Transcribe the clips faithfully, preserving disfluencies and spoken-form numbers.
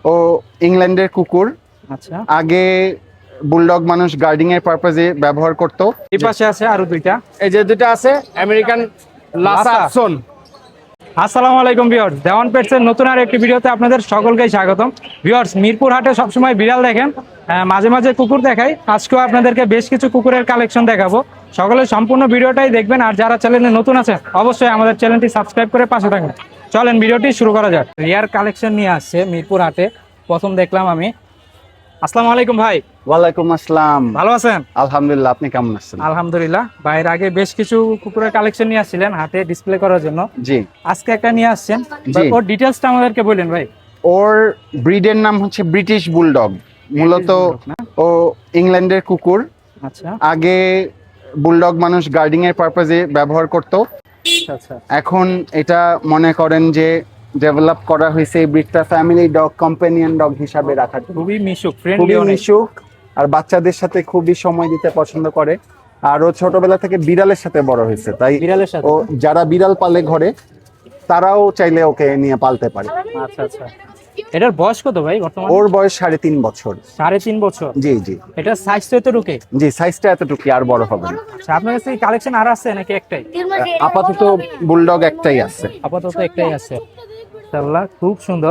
ও ইংল্যান্ডের কুকুর। আচ্ছা, আগে বুলডগ মানুষ গার্ডিং এর পারপাজে ব্যবহার করত। এই পাশে আছে আরো দুইটা। এই যে দুটো আছে আমেরিকান লাসা লাসা। সোন। আসসালামু আলাইকুম ভিউয়ার্স, দেওয়ান পেটসের নতুন আর একটি ভিডিওতে আপনাদের সকলকে স্বাগতম। ভিউয়ার্স, মিরপুর হাটে সবসময় বিড়াল দেখেন, আহ, মাঝে মাঝে কুকুর দেখাই। আজকেও আপনাদেরকে বেশ কিছু কুকুরের কালেকশন দেখাবো। সকলে সম্পূর্ণ ভিডিওটাই দেখবেন, আর যারা চ্যানেলে নতুন আছেন অবশ্যই আমাদের চ্যানেলটি সাবস্ক্রাইব করে পাশে থাকবেন। চলেন ভিডিওটি শুরু করা যাক। রিয়ার কালেকশন নিয়ে আসছে মিরপুর হাটে, প্রথম দেখলাম আমি। আসসালামু আলাইকুম ভাই। ওয়ালাইকুম আসসালাম। ভালো আছেন? আলহামদুলিল্লাহ, আপনি কেমন আছেন? আলহামদুলিল্লাহ। ভাইয়ের আগে বেশ কিছু কুকুরের কালেকশন নিয়ে আসছিলেন হাটে ডিসপ্লে করার জন্য, জি আজকে একটা নিয়ে আসছেন। জি। ওর ডিটেলসটা আমাদেরকে বললেন ভাই। ওর ব্রিডের নাম হচ্ছে ব্রিটিশ বুলডগ। মূলত বুলডগ না? ও ইংল্যান্ডের কুকুর। আচ্ছা আগে বুলডগ মানুষ গার্ডিং এর পারপাজে ব্যবহার করত। আচ্ছা। এখন এটা মনে করেন যে ডেভেলপ করা হয়েছে এই ব্রিডটা ফ্যামিলি ডগ, কম্পেনিয়ন ডগ হিসাবে রাখার জন্য। খুবই মিশুক, ফ্রেন্ডলি খুবই অনেক। মিশুক আর বাচ্চাদের সাথে খুবই সময় দিতে পছন্দ করে। আর ও ছোটবেলা থেকে বিড়ালের সাথে বড় হয়েছে, তাই বিড়ালের সাথে? ও যারা বিড়াল পালে ঘরে তারাও চাইলে ওকে নিয়ে পালতে পারে। আচ্ছা আচ্ছা। এটার বয়স কত ভাই বর্তমানে? ওর বয়স সাড়ে তিন বছর। সাড়ে তিন বছর? জি জি এটা সাইজ তো এত ঢুকে? জি, সাইজটা এতটুকু, আর বড় হবে না। আচ্ছা, আপনার কাছে কালেকশন আর আছে নাকি একটাই? আপাতত বুলডগ একটাই আছে। আপাতত একটাই আছে। মাশাআল্লাহ, খুব সুন্দর।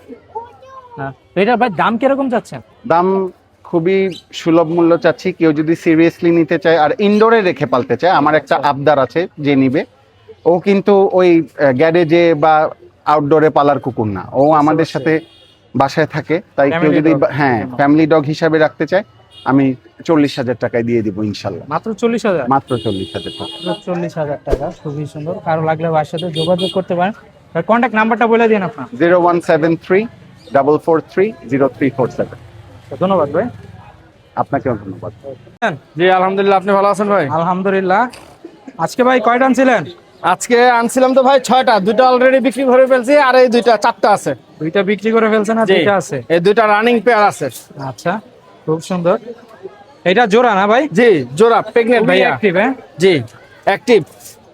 হ্যাঁ, তো এটার ভাই দাম কিরকম যাচ্ছেন? দাম খুবই সুলভ মূল্য চাচ্ছি। কেউ যদি সিরিয়াসলি নিতে চায় আর ইনডোরে রেখে পালতে চায়, আমার একটা আবদার আছে যে নিবে। ও কিন্তু ওই গ্যারেজে বা আউটডোরে পালার কুকুর না, ও আমাদের সাথে বাসায় থাকে। তাই কেউ Family যদি dog। হ্যাঁ ফ্যামিলি ডগ হিসাবে রাখতে চায়, আমি চল্লিশ হাজার টাকায় দিয়ে দিব ইনশাল্লাহ। মাত্র চল্লিশ হাজার? মাত্র চল্লিশ হাজার টাকা। চল্লিশ হাজার টাকা, খুবই সুন্দর। কারো লাগলে ভাইয়ের সাথে যোগাযোগ করতে পারেন। কন্ট্যাক্ট নাম্বারটা বলে দিন আপনার। Zero one seven three double four three zero three four seven. ধন্যবাদ ভাই। আপনাকেও ধন্যবাদ। জি আলহামদুলিল্লাহ, আপনি ভালো আছেন ভাই? আলহামদুলিল্লাহ। আজকে ভাই কয়টা আনছিলেন? আজকে আনছিলাম তো ভাই ছয়টা, দুটো অলরেডি বিক্রি করে ফেলছি, আর এই দুইটা চারটা আছে। দুইটা বিক্রি করে ফেলছেন আর জি, দুইটা আছে? এই দুইটা রানিং পেয়ার আছে। আচ্ছা, খুব সুন্দর। এটা জোড়া না ভাই? জি জোড়া, প্রেগনেন্ট ভাইয়া। অ্যাক্টিভ? হ্যাঁ জি অ্যাক্টিভ।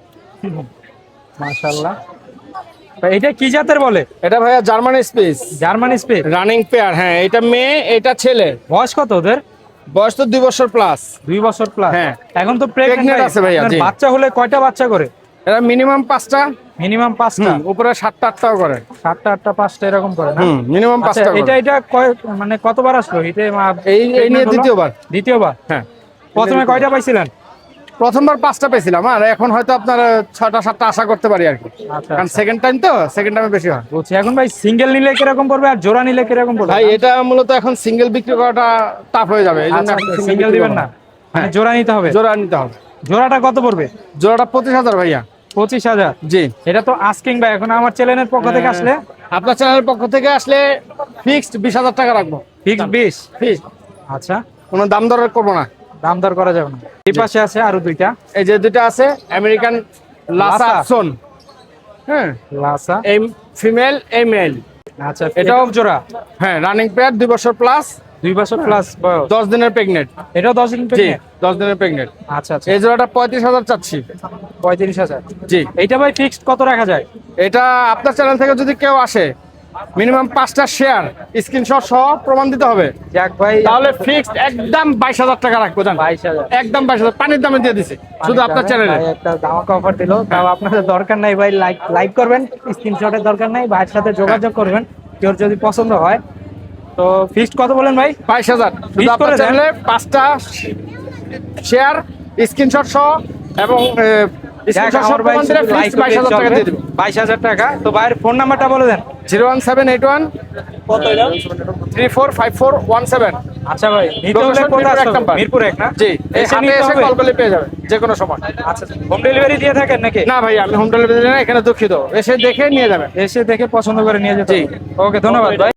মাশাআল্লাহ। ভাই এটা কি জাতের বলে? এটা ভাইয়া Germany space German space running pair. হ্যাঁ, এটা মেয়ে এটা ছেলে। বয়স কত ওদের? বয়স তো দুই বছর প্লাস। দুই বছর প্লাস? হ্যাঁ। এখন তো Pregnant প্রেগন্যান্ট আছে ভাইয়া, জি। বাচ্চা হলে কয়টা বাচ্চা করে? এটা মিনিমাম পাঁচটা, মিনিমাম পাঁচটা? হুম, উপরে সাতটা আটটাও করে। সাতটা আটটা পাঁচটা এরকম করে না? হুম, মিনিমাম আচ্ছা, পাঁচটা এটা করে। এটা কয় মানে কতবার আসলো এটা? এই এই নিয়ে দ্বিতীয়বার। দ্বিতীয়বার? হ্যাঁ, প্রথমে কয়টা পাইছিলেন? প্রথমবার পাঁচটা পেয়েছিলাম, আর এখন হয়তো আপনার ছটা সাতটা আশা করতে পারি আর কি। আচ্ছা কারণ আচ্ছা, সেকেন্ড টাইম তো, সেকেন্ড টাইমে বেশি হয়। বলছি এখন ভাই সিঙ্গেল নিলে কিরকম পড়বে আর জোড়া নিলে কিরকম পড়বে? ভাই এটা মূলত এখন সিঙ্গেল বিক্রি করাটা টাফ হয়ে যাবে, এই জন্য সিঙ্গেল দিবেন না, মানে জোড়া নিতে হবে? জোড়া নিতে হবে। জোড়াটা কত পড়বে? জোড়াটা পঁচিশ হাজার ভাইয়া। পঁচিশ হাজার? জি। এটা তো আস্কিং ভাই, এখন আমার চ্যানেলের পক্ষ থেকে আসলে আপনার চ্যানেলের পক্ষ থেকে আসলে ফিক্সড বিশ হাজার টাকা রাখবো। ফিক্স বিশ? ফিক্সড, আচ্ছা, কোনো দাম দর করবো না। দাম দর করা যাবে না। এই পাশে আছে আরো দুইটা। এই যে দুটো আছে আমেরিকান লাসা লাসা? সোন। হ্যাঁ, লাসা? এই ফিমেল এই মেল। আচ্ছা, এটাও এটাও জোড়া? হ্যাঁ, রানিং পেয়ার, দুই বছর প্লাস, দুই বছর প্লাস বয়স? দশ দিনের প্রেগনেন্ট। এটাও দশ দিন জি, pregnant? দশ দিনের প্রেগনেন্ট। আচ্ছা আচ্ছা, এই জোড়াটা পঁয়ত্রিশ হাজার চাচ্ছি। পঁয়ত্রিশ হাজার? জি। এইটা ভাই ফিক্সড কত রাখা যায়? এটা আপনার চ্যানেল থেকে যদি কেউ আসে, মিনিমাম পাঁচটা শেয়ার স্ক্রিনশট সহ প্রমাণ দিতে হবে, যাক ভাই, তাহলে ফিক্সড একদম বাইশ হাজার টাকা রাখবো। জান, বাইশ হাজার? একদম বাইশ হাজার, পানির দামে দিয়ে দিছি শুধু আপনার চ্যানেলে। ভাই একটা ধামাকা অফার দিল, তাও আপনাদের দরকার নাই ভাই, লাইক লাইক করবেন, স্ক্রিনশটের দরকার নাই, ভাইয়ের সাথে যোগাযোগ করবেন কেউ যদি পছন্দ হয়। তো ফিক্সড কত বলেন ভাই? বাইশ হাজার শুধু Fix করে আপনার দেন। চ্যানেলে পাঁচটা শেয়ার স্ক্রিনশট সহ এবং যাক, আমার ভাই লাইক বাইশ হাজার টাকা দিয়ে দেবো। বাইশ হাজার টাকা। তো ভাইয়ের ফোন নাম্বারটা বলে দেন। Zero one seven eight one three four five four one seven. আচ্ছা ভাই, নিতে হলে Location কোথায় মিরপুর এক আসতে হবে? নাম্বার। মিরপুর এক না? জি, এই এসে হাটে নিতে এসে হবে? কল করলে পেয়ে যাবে যে কোনো সময়। আচ্ছা, হোম ডেলিভারি দিয়ে থাকেন নাকি? না ভাই, আমি হোম ডেলিভারি না, এখানে দুঃখিত, এসে দেখে নিয়ে যাবেন। এসে দেখে পছন্দ করে নিয়ে যেতে। ওকে, ধন্যবাদ ভাই।